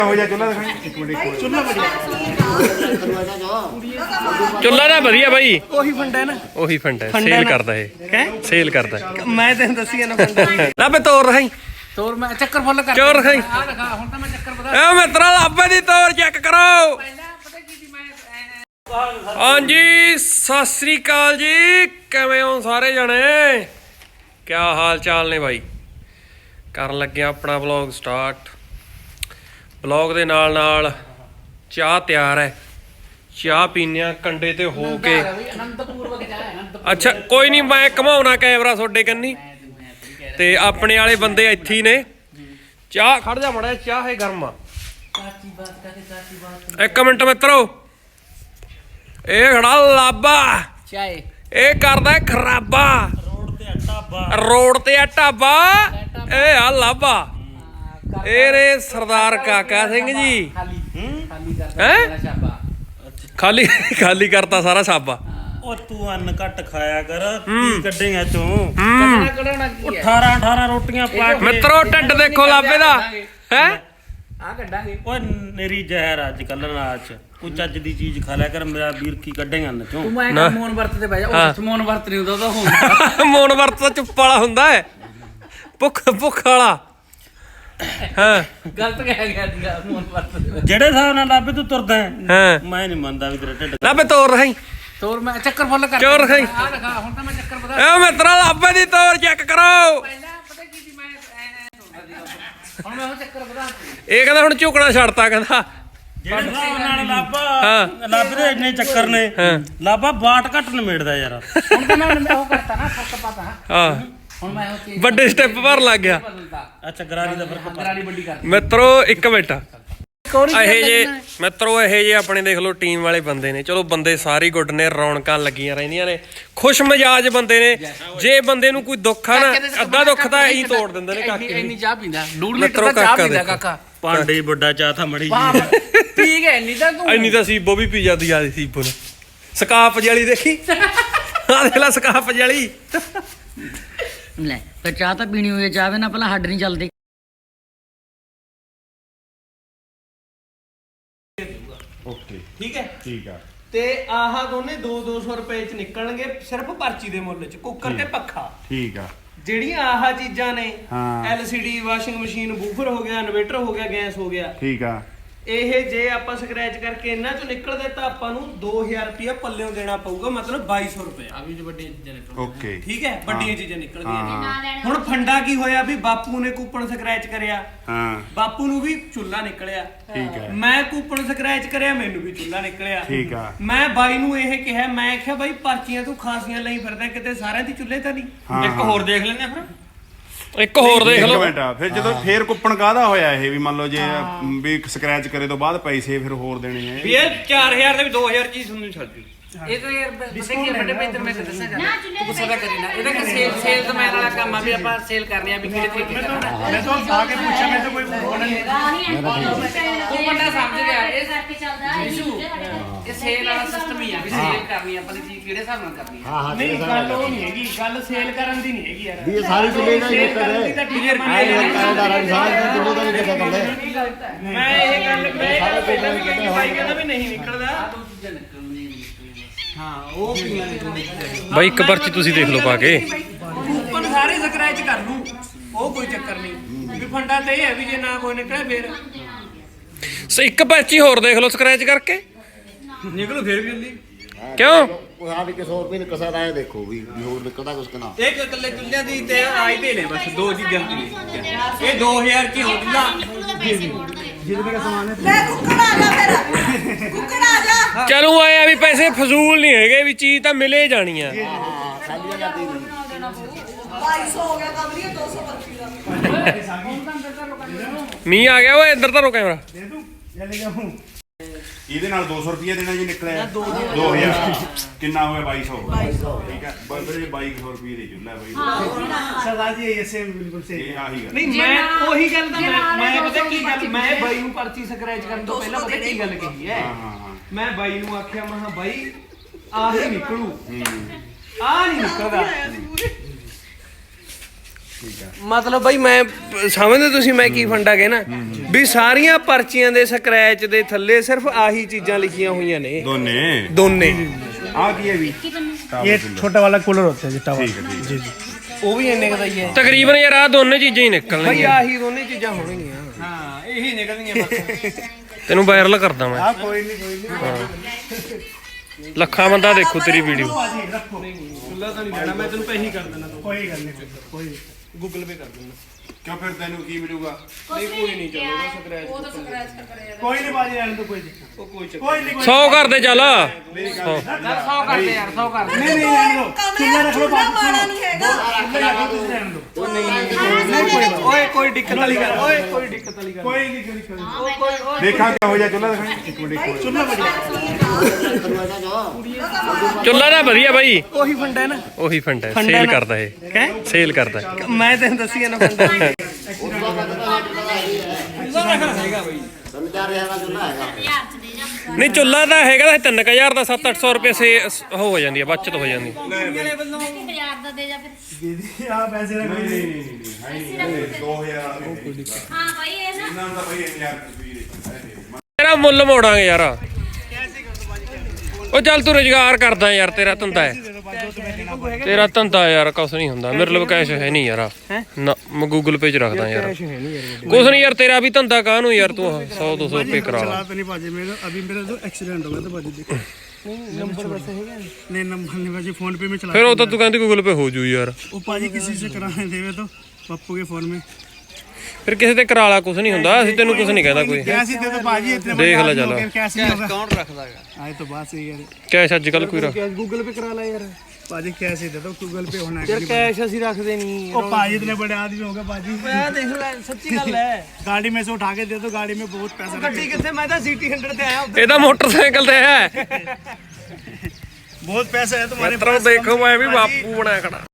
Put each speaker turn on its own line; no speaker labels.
ਚੁੱਲਾ ਦਾ ਵਧੀਆ ਬਾਈ ਉਹੀ ਫੰਡਾ ਨਾ ਉਹੀ ਫੰਡਾ ਸੇਲ ਕਰਦਾ ਇਹ ਸੇਲ ਕਰਦਾ ਮੈਂ ਤੈਨੂੰ ਦੱਸੀ ਨਾ ਫੰਡਾ ਲੱਭੇ ਤੋਰ ਰਹਾਈ ਤੋਰ ਮੈਂ ਚੱਕਰ ਫੁੱਲ ਕਰ ਚੋਰ ਰਹਾਈ ਆ ਦਿਖਾ ਹੁਣ ਤਾਂ ਮੈਂ ਚੱਕਰ ਬਤਾ ਏ ਮਿੱਤਰਾ ਲੱਭੇ ਦੀ ਤੋਰ ਚੈੱਕ ਕਰੋ ਹਾਂਜੀ ਸਤਿ ਸ੍ਰੀ ਅਕਾਲ ਜੀ ਕਿਵੇਂ ਹੋ ਸਾਰੇ ਜਣੇ ਕਿਆ ਹਾਲ ਚਾਲ ਨੇ ਬਾਈ ਕਰਨ ਲੱਗਿਆ ਆਪਣਾ ਵਲੌਗ ਸਟਾਰਟ ਵਲੌਗ ਦੇ ਨਾਲ ਨਾਲ ਚਾਹ ਤਿਆਰ ਹੈ ਚਾਹ ਪੀਨੇ ਆ ਕੰਡੇ ਤੇ ਹੋ ਕੇ ਅੱਛਾ ਕੋਈ ਨਹੀਂ ਮੈਂ ਘਮਾਉਣਾ ਕੈਮਰਾ ਤੁਹਾਡੇ ਕੰਨੀ ਤੇ ਆਪਣੇ ਵਾਲੇ ਬੰਦੇ ਇੱਥੇ ਹੀ ਨੇ ਚਾਹ ਖੜ ਜਾ ਮੜਾ ਚਾਹ ਹੈ ਗਰਮ ਆ ਇੱਕ ਮਿੰਟ ਮਿੱਤਰੋ ਇਹ ਖੜਾ ਲਾਬਾ ਚਾਏ ਇਹ ਕਰਦਾ ਖਰਾਬਾ ਰੋਡ ਤੇ ਆ ਢਾਬਾ ਇਹ ਆ ਲਾਬਾ ਇਹ ਨੇ ਸਰਦਾਰ ਕਾਕਾ ਸਿੰਘ ਜੀ ਹੈ ਖਾਲੀ ਖਾਲੀ ਕਰਤਾ ਸਾਰਾ ਛਾਬਾ
ਉਹ ਤੂੰ ਅੰਨ ਘੱਟ ਖਾਇਆ ਕਰ ਕੀ ਕੱਢੇਗਾ ਤੂੰ 18 ਰੋਟੀਆਂ ਪਾ ਕੇ
ਮਿੱਤਰੋ ਢੱਡ ਦੇਖੋ ਲਾਬੇ ਦਾ ਹੈ
ਆ ਕੱਢਾਂਗੇ ਓਏ ਨੇਰੀ ਜ਼ਹਿਰ ਅੱਜ ਕੱਲ ਨਾਚ ਕੋਈ ਚੱਜ ਦੀ ਚੀਜ਼ ਖਾ ਲਿਆ ਕਰ ਮੇਰਾ ਵੀਰ ਕੀ ਕੱਢੇਗਾ ਅੰਨ ਚੋਂ
ਤੂੰ ਮੈਂ ਮੋਨ ਵਰਤ ਤੇ ਬਹਿ ਜਾ ਉਸ ਮੋਨ ਵਰਤ ਨਹੀਂ ਹੁੰਦਾ ਉਹ ਹੁੰਦਾ
ਮੋਨ ਵਰਤ ਤਾਂ ਚੁੱਪ ਵਾਲਾ ਹੁੰਦਾ ਹੈ ਭੁੱਖ ਵਾਲਾ ਹਾਂ
ਗਲਤ ਕਹਿ ਗਿਆ ਸੀਗਾ ਮੋਨ ਵਰਤ
ਜਿਹੜੇ ਹਿਸਾਬ ਨਾਲ ਲੱਭੇ ਤੂੰ ਤੁਰਦਾ
ਹਾਂ
ਮੈਂ ਨਹੀਂ ਮੰਨਦਾ ਵੀ ਤੇਰਾ ਢਿੱਡ
ਲੱਭੇ ਤੋਰ ਰਹਾਈ
ਤੋਰ ਮੈਂ ਚੱਕਰ ਫੁੱਲ ਕਰ
ਚੋਰ ਰਹਾਈ
ਆ ਦਿਖਾ ਹੁਣ ਤਾਂ ਮੈਂ ਚੱਕਰ ਬਤਾ
ਏ ਮਿੱਤਰਾ ਲੱਭੇ ਦੀ ਤੋਰ ਚੈੱਕ ਕਰੋ
ਪਹਿਲਾਂ ਪਤਾ ਕੀ ਸੀ ਮੈਂ ਹੁਣ ਮੈਂ ਉਹ ਚੱਕਰ ਬਤਾ
ਇਹ ਕਹਿੰਦਾ ਹੁਣ ਝੁਕਣਾ ਛੱਡਤਾ ਕਹਿੰਦਾ
ਜਿਹੜੇ ਹਿਸਾਬ ਨਾਲ ਲੱਭ ਦੇ ਇੰਨੇ ਚੱਕਰ ਨੇ ਲੱਭਾ ਬਾਟ ਘੱਟ ਨਿਮੇੜਦਾ ਯਾਰ
ਹੁਣ ਤਾਂ ਮੈਂ ਉਹ ਕਰਤਾ ਨਾ ਫਰਕ ਪਤਾ
ਹਾਂ
ਹੁਣ ਮੈਂ ਉਹ ਚੀਜ਼
ਵੱਡੇ ਸਟੈਪ ਭਰ ਲੱਗ ਗਿਆ
ਅੱਛਾ ਗਰਾਰੀ ਦਾ ਫਰਕ
ਗਰਾਰੀ ਵੱਡੀ ਕਰ
ਮਿੱਤਰੋ ਇੱਕ ਮਿੰਟ ਇਹ ਜੇ ਮਿੱਤਰੋ ਇਹ ਜੇ ਆਪਣੇ ਦੇਖ ਲਓ ਟੀਮ ਵਾਲੇ ਬੰਦੇ ਨੇ ਚਲੋ ਬੰਦੇ ਸਾਰੇ ਗੁੱਡ ਨੇ ਰੌਣਕਾਂ ਲੱਗੀਆਂ ਰਹਿੰਦੀਆਂ ਨੇ ਖੁਸ਼ ਮਜਾਜ ਬੰਦੇ ਨੇ ਜੇ ਬੰਦੇ ਨੂੰ ਕੋਈ ਦੁੱਖ ਆ ਨਾ ਅੱਧਾ ਦੁੱਖ ਤਾਂ ਇਹੀ ਤੋੜ ਦਿੰਦੇ ਨੇ ਕਾਕੇ
ਇੰਨੀ ਚਾਹ ਪੀਂਦਾ 2 ਲੀਟਰ ਦਾ ਚਾਹ ਪੀਂਦਾ ਕਾਕਾ
ਪਾਂਡੇ ਵੱਡਾ ਚਾਹ ਥਾ ਮੜੀ
ਠੀਕ ਹੈ ਇੰਨੀ ਤਾਂ ਤੂੰ
ਇੰਨੀ ਤਾਂ ਸੀਬੋ ਵੀ ਪੀ ਜਾਂਦੀ ਆ ਸੀਬੋ ਨੂੰ ਸਕਾਪ ਜਲੀ ਦੇਖੀ ਆ ਦੇਖ ਲੈ ਸਕਾਪ ਜਲੀ
ਲੈ ਤੇ ਚਾਹ ਤਾਂ ਪੀਣੀ ਹੋਈ ਚਾਹ ਨਾ ਪਹਿਲਾਂ ਹੱਡ ਨਹੀਂ ਚੱਲਦੇ
ਓਕੇ
ਠੀਕ ਹੈ
ਠੀਕ ਆ
ਤੇ ਆਹ ਦੋਨੇ 200 ਰੁਪਏ ਚ ਨਿਕਲਣਗੇ ਸਿਰਫ ਪਰਚੀ ਦੇ ਮੁੱਲ ਚ ਕੁੱਕਰ ਤੇ ਪੱਖਾ
ਠੀਕ ਆ
ਜਿਹੜੀਆਂ ਆਹ ਚੀਜ਼ਾਂ ਨੇ
ਹਾਂ।
LCD ਵਾਸ਼ਿੰਗ ਮਸ਼ੀਨ ਬੂਫਰ ਹੋ ਗਿਆ ਇਨਵੇਟਰ ਹੋ ਗਿਆ ਗੈਸ ਹੋ ਗਿਆ
ਠੀਕ ਆ
ਇਹ ਜੇ ਆਪਾਂ ਸਕ੍ਰੈਚ ਕਰਕੇ ਇਹਨਾਂ ਚੋਂ ਨਿਕਲਦੇ ਤਾਂ ਆਪਾਂ ਨੂੰ 2000 ਰੁਪਇਆ ਪੱਲਿਓਂ ਦੇਣਾ ਪਊਗਾ ਮਤਲਬ 2200 ਰੁਪਏ
ਆ ਵੀ ਵੱਡੀ ਚੀਜ਼ਾਂ ਨੇ
ਓਕੇ
ਠੀਕ ਹੈ ਵੱਡੀਆਂ ਚੀਜ਼ਾਂ ਨਿਕਲਦੀਆਂ
ਹਾਂ
ਨੇ ਹੁਣ ਫੰਡਾ ਕੀ ਹੋਇਆ ਵੀ ਬਾਪੂ ਨੇ ਕੂਪਨ ਸਕ੍ਰੈਚ ਕਰਿਆ
ਹਾਂ
ਬਾਪੂ ਨੂੰ ਵੀ ਚੁੱਲ੍ਹਾ ਨਿਕਲਿਆ
ਠੀਕ ਹੈ
ਮੈਂ ਕੂਪਨ ਸਕ੍ਰੈਚ ਕਰਿਆ ਮੈਨੂੰ ਵੀ ਚੁੱਲ੍ਹਾ ਨਿਕਲਿਆ
ਠੀਕ ਆ
ਮੈਂ ਬਾਈ ਨੂੰ ਇਹ ਕਿਹਾ ਮੈਂ ਕਿਹਾ ਬਾਈ ਪਰਚੀਆਂ ਤੂੰ ਖਾਸੀਆਂ ਲਈ ਫਿਰਦਾ ਕਿਤੇ ਸਾਰਿਆਂ ਦੀ ਚੁੱਲ੍ਹੇ ਤਾਂ ਨਹੀਂ
ਇੱਕ ਹੋਰ ਦੇਖ ਲੈਂਦੇ ਫਿਰ
ਇੱਕ ਹੋਰ ਦੇਖ ਲਓ
ਮਿੰਟ ਫਿਰ ਜਦੋਂ ਫੇਰ ਕੁੱਪਣ ਕਾਹਦਾ ਹੋਇਆ ਇਹ ਵੀ ਮੰਨ ਲਓ ਜੇ ਵੀ ਸਕ੍ਰੈਚ ਕਰੇ ਤੋਂ ਬਾਅਦ ਪੈਸੇ ਫਿਰ ਹੋਰ ਦੇਣੇ ਆ
ਵੀ ਇਹ 4000 ਦੇ ਵੀ 2000 ਚੀਜ਼ ਤੁਹਾਨੂੰ ਛੱਡ ਦਿਓ
ਇਹ ਤਾਂ ਯਾਰ ਪਤਾ ਕੀ ਵੱਡੇ ਪੈਂਤਰ ਮੈਂ ਦੱਸਾਂ ਜਾ ਤੂੰ ਗੁੱਸਾ ਤਾਂ ਕਰੀ ਨਾ ਇਹਦਾ ਕਿ ਸੇਲ ਮੈਨ ਵਾਲਾ ਕੰਮ ਆ ਵੀ ਆਪਾਂ ਸੇਲ ਕਰਨੀ ਆ ਵੀ ਕਿਹੜੇ ਤਰੀਕੇ ਨਾਲ
ਮੈਂ ਤਾਂ ਆ ਕੇ ਪੁੱਛਿਆ ਮੈਂ ਤਾਂ ਕੋਈ ਬੋਲ ਨਹੀਂ
ਤੂੰ ਬੰਦਾ ਸਮਝ ਗਿਆ ਇਹ ਕਰਕੇ ਚੱਲਦਾ ਇਹ ਸੇਲ ਵਾਲਾ ਸਿਸਟਮ ਹੀ ਆ ਵੀ ਸੇਲ ਕਰਨੀ ਆਪਾਂ ਦੀ ਚੀਜ਼ ਕਿਹੜੇ ਹਿਸਾਬ ਨਾਲ ਕਰਨੀ ਆ
ਨਹੀਂ ਗੱਲ ਉਹ ਨਹੀਂ ਹੈਗੀ ਗੱਲ ਸੇਲ ਕਰਨ ਦੀ ਨਹੀਂ ਹੈਗੀ ਯਾਰ
ਇਹ ਸਾਰੀ ਚੁੱਲੇ ਦਾ ਹੀ
ਕਰਨ ਦੀ ਤਾਂ ਕਲੀਅਰ
ਕਾਇਦਾਰਾਂ ਦੀ ਸਾਰੀ ਚੁੱਲੇ ਦਾ ਨਹੀਂ ਪਤਾ ਕਰਦੇ
ਮੈਂ ਇਹ ਗੱਲ ਪਹਿਲਾਂ ਵੀ ਕਹੀ ਬਾਈ ਕਹਿੰਦਾ ਵੀ ਨਹੀਂ ਨਿਕਲਦਾ ਹਾਂ ਉਹ ਪੀਆਂ ਨੇ
ਬਾਈ ਇੱਕ ਪਰਚੀ ਤੁਸੀਂ ਦੇਖ ਲਓ ਪਾ ਕੇ
ਕੂਪਨ ਸਾਰੇ ਸਕ੍ਰੈਚ ਕਰ ਲੂੰ ਉਹ ਕੋਈ ਚੱਕਰ ਨਹੀਂ ਵੀ ਫੰਡਾ ਤੇ ਇਹ ਹੈ ਵੀ ਜੇ ਨਾ ਕੋਈ ਨਿਕਲੇ ਫੇਰ
ਇੱਕ ਪਰਚੀ ਹੋਰ ਦੇਖ ਲਓ ਸਕ੍ਰੈਚ ਕਰਕੇ
ਨਿਕਲੂ ਫੇਰ ਵੀ ਜਲਦੀ
ਕਿਉਂ
ਉਹ ਆ ਵੀ 100 ਰੁਪਏ ਕਸਾ ਰਾਏ ਦੇਖੋ ਵੀ ਹੋਰ ਨਿਕਲਦਾ ਕੁਛ ਕਨਾ
ਇੱਕ ਇਕੱਲੇ ਚੁੱਲ੍ਹਿਆਂ ਦੀ ਤੇ ਆਈ ਦੇ ਨੇ ਬਸ ਦੋ ਚੀਜ਼ਾਂ ਦੀ ਇਹ 2000 ਕੀ ਹੁੰਦਾ
ਲੈ ਕੁੱਕੜ ਆ ਜਾ ਫਿਰ ਕੁੱਕੜ ਆ ਜਾ
ਚਲੋ ਆਏ ਆ ਵੀ ਪੈਸੇ ਫਜ਼ੂਲ ਨਹੀਂ ਹੈਗੇ ਵੀ ਚੀਜ਼ ਤਾਂ ਮਿਲੇ ਜਾਣੀ ਆ
ਹਾਂ ਖਾਲੀ ਜਾਂਦੀ ਨਹੀਂ
2200 ਹੋ ਗਿਆ ਕਮਲੀਆ 225 ਦਾ
ਮੀਂਹ ਆ ਗਿਆ ਓਏ ਇੱਧਰ ਧਰੋ ਕੈਮਰਾ
ਇਹਦੇ ਨਾਲ 200 ਰੁਪਏ ਦੇਣਾ ਜੀ ਨਿਕਲਿਆ 2000 ਕਿੰਨਾ ਹੋ ਗਿਆ 2200 ਠੀਕ ਹੈ ਬੰਦੇ 2200 ਰੁਪਏ ਦੇ ਚੁੱਲਾ ਬਾਈ
ਸਰਦਾਰ ਜੀ ਇਹ ਸੇਮ ਬਿਲਕੁਲ ਸੇਮ
ਇਹ ਆਹੀ ਗੱਲ
ਨਹੀਂ ਮੈਂ ਉਹੀ ਗੱਲ ਤਾਂ ਮੈਂ ਪਤਾ ਕੀ ਗੱਲ ਮੈਂ ਬਾਈ ਨੂੰ ਪਰਚੀ ਸਕ੍ਰੈਚ ਕਰਨ ਤੋਂ ਪਹਿਲਾਂ ਪਤਾ ਕੀ ਗੱਲ ਕਹੀ ਹੈ
ਹਾਂ
ਮੈਂ ਬਾਈ ਨੂੰ ਆਖਿਆ ਮੈਂ ਬਾਈ ਆਹ ਹੀ ਨਿਕਲੂ ਆਹ ਨਹੀਂ ਨਿਕਲਦਾ
ਮਤਲਬ ਬਾਈ ਮੈਂ ਸਮਝਦੇ ਤੁਸੀਂ ਮੈਂ ਕੀ ਫੰਡਾ ਕਹਿਣਾ ਵੀ ਸਾਰੀਆਂ ਪਰਚੀਆਂ ਦੇ ਸਕ੍ਰੈਚ ਦੇ ਥੱਲੇ ਸਿਰਫ ਆਹੀ ਚੀਜ਼ਾਂ ਲਿਖੀਆਂ ਹੋਈਆਂ ਨੇ ਦੋਨੇ
ਆ ਕੀ ਹੈ ਵੀ
ये छोटा वाला कूलर होता है जी टावर
ਠੀਕ ਹੈ ਠੀਕ
जी जी
ਉਹ ਵੀ ਇੰਨੇ ਦਾ ਹੀ ਹੈ ਤਕਰੀਬਨ ਯਾਰ ਆ ਦੋਨੇ ਚੀਜ਼ਾਂ ਹੀ ਨਿਕਲਣਗੀਆਂ ਬਾਈ ਆਹੀ ਦੋਨੇ ਚੀਜ਼ਾਂ ਹੋਣਗੀਆਂ
हाँ यही निकलेंगे बस
ਤੈਨੂੰ ਵਾਇਰਲ ਕਰਦਾ ਮੈਂ
हाँ कोई नहीं
ਲੱਖਾਂ ਬੰਦਾ ਦੇਖੂ ਤੇਰੀ ਵੀਡੀਓ
खुला तो नहीं देना मैं तेन पे ही कर देना कोई गल नहीं कोई गूगल पे कर देना
ਕਿਉਂ ਫਿਰ ਤੈਨੂੰ ਕੀ ਮਿਲੂਗਾ
नहीं कोई नहीं चलो वो तो स्क्रैच कोई नहीं बाजी रहने तो कोई दिक्कत कोई नहीं
100 ਕਰ ਦੇ ਚੱਲ
100 ਕਰਦੇ ਯਾਰ 100 ਕਰਦੇ
नहीं नहीं रहने दो
ਚੁੱਲ੍ਹਾ ਰੱਖ ਲਓ ਮਾੜਾ ਨਹੀਂ ਹੈਗਾ
ओए कोई दिक्कत वाली गल ओए कोई दिक्कत वाली गल कोई नहीं दिक्कत
ਦੇਖਾਂ ਕਿਹੋ ਜਿਹਾ ਚੁੱਲ੍ਹਾ ਦਿਖਾਈ ਇੱਕ ਮਿੰਟ ਇੱਕ
चुल्ला
ਚੁੱਲਾ ਦਾ ਵਧੀਆ ਬਾਈ
ਉਹੀ ਫੰਡਾ ਹੈ ਨਾ
ਉਹੀ ਫੰਡਾ ਸੇਲ ਕਰਦਾ ਇਹ ਸੇਲ ਕਰਦਾ
ਮੈਂ ਤੈਨੂੰ ਦੱਸੀ ਨਾ ਫੰਡਾ
ਨਹੀਂ ਚੁੱਲਾ ਤਾਂ ਹੈਗਾ ਤਾਂ 3000 ਦਾ 7-800 ਰੁਪਏ ਸੇ ਹੋ ਜਾਂਦੀ ਹੈ ਬਚਤ ਹੋ ਜਾਂਦੀ
दीदी आप ऐसे रख
ਨਹੀਂ 2000
ਹਾਂ ਭਾਈ ਇਹ ਨਾ
ਇਹਨਾਂ ਦਾ ਭਾਈ 1000 ਰੁਪਏ
ਤੇਰਾ ਮੁੱਲ ਮੋੜਾਂਗੇ ਯਾਰ ਉਹ ਚੱਲ ਤੂੰ ਰੁਜ਼ਗਾਰ ਕਰਦਾ ਯਾਰ ਤੇਰਾ ਧੰਦਾ ਹੈ ਤੇਰਾ ਧੰਦਾ ਯਾਰ ਕੁਛ ਨਹੀਂ ਹੁੰਦਾ ਮੇਰੇ ਲਈ ਕੈਸ਼ ਹੈ ਨਹੀਂ ਯਾਰ ਨਾ ਮੈਂ ਗੂਗਲ ਪੇ ਚ ਰੱਖਦਾ ਯਾਰ ਕੁਛ ਨਹੀਂ ਯਾਰ ਤੇਰਾ ਵੀ ਧੰਦਾ ਕਾਹਨੂੰ ਯਾਰ ਤੂੰ 100-200 ਰੁਪਏ ਕਰਾ ਲਾ
नहीं बाजी मेरा अभी मेरा जो एक्सीडेंट हो गया था बाजी देखो नंबर वैसे है नहीं नंबर नहीं बाजी फोन पे में चला
ਫਿਰ ਉਹ ਤਾਂ ਤੂੰ ਕਹਿੰਦੀ ਗੂਗਲ ਪੇ ਹੋ ਜੂ ਯਾਰ
वो पाजी किसी से कराने देवे तो पप्पू के फोन में
ਫਿਰ ਕਿਸੇ ਤੇ ਕਰਾ ਲਾ ਕੁਛ ਨਹੀਂ ਹੁੰਦਾ ਅਸੀਂ ਤੈਨੂੰ ਕੁਛ ਨਹੀਂ ਕਹਿੰਦਾ ਕੋਈ
कैसे दे तो बाजी इतने
देख
बड़े
ले
आदमी
चलो।
हो गए, कैसे नहीं होगा
ਕੌਣ ਰੱਖਦਾ ਹੈਗਾ
आए तो बात सही है
ਕੈਸ਼ ਅੱਜ ਕੱਲ ਕੋਈ ਰੱਖ
कैश गूगल पे करा ला यार बाजी कैसे दे दो गूगल पे होना
ਯਾਰ ਕੈਸ਼ ਅਸੀਂ ਰੱਖਦੇ ਨਹੀਂ
ओ पाजी इतने बड़े आदमी हो गए बाजी
ਦੇਖ ਲੈ ਸੱਚੀ ਗੱਲ ਹੈ
गाड़ी में से उठा के दे दो गाड़ी में बहुत पैसा
ਗੱਡੀ ਕਿੱਥੇ ਮੈਂ ਤਾਂ ਸਿਟੀ 100 ਤੇ ਆਇਆ ਇਹ ਤਾਂ ਮੋਟਰਸਾਈਕਲ ਤੇ ਹੈ
बहुत पैसा है तुम्हारे
ਮਿੱਤਰੋ ਦੇਖੋ ਮੈਂ ਵੀ ਬਾਪੂ ਬਣਿਆ ਖੜਾ